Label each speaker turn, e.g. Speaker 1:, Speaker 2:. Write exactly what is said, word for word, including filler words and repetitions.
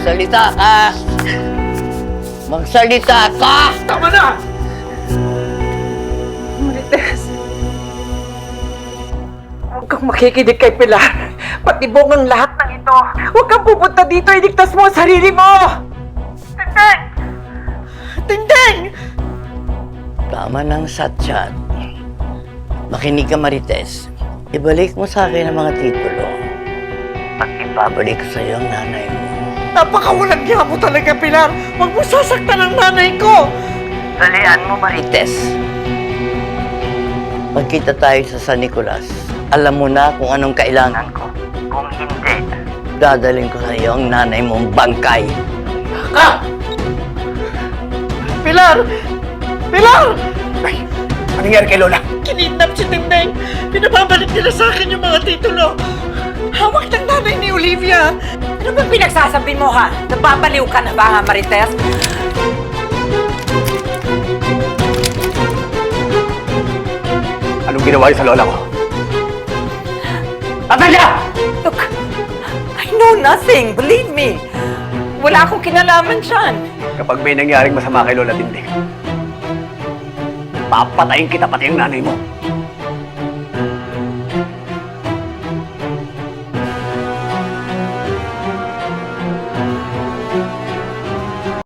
Speaker 1: Magsalita ka! Magsalita ka!
Speaker 2: Tama na!
Speaker 3: Marites, huwag kang makikinig kay Pilar. Patibong ang lahat ng ito. Huwag kang pupunta dito. Iligtas mo ang sarili mo! Tindeng! Tindeng!
Speaker 1: Tama ng satsat. Makinig ka, Marites. Ibalik mo sa akin ang mga titulo. At ibabalik ko sa iyo ang nanay mo.
Speaker 3: Napakawalang niya mo talaga, Pilar. Huwag mo sasaktan ang nanay ko.
Speaker 1: Dalian mo, Marites. Magkita tayo sa San Nicolas. Alam mo na kung anong kailangan ko. Kung hindi, dadaling ko sa iyo ang nanay mong bangkay.
Speaker 3: Ka! Pilar! Pilar!
Speaker 2: Ay, anong nangyari kay Lola?
Speaker 3: Kinidnap si Tindeng. Pinababalik nila sa akin yung mga titulo. Hawak ng nanay ni Olivia. Ano bang pinagsasabi mo, ha? Nababaliw ka na ba, ha, Marites?
Speaker 2: Anong ginawa niyo sa Lola ko? Patay niya!
Speaker 3: Look, I know nothing. Believe me. Wala akong kinalaman dyan.
Speaker 2: Kapag may nangyaring masama kay Lola Tinding, papatayin kita pati yung nanay mo.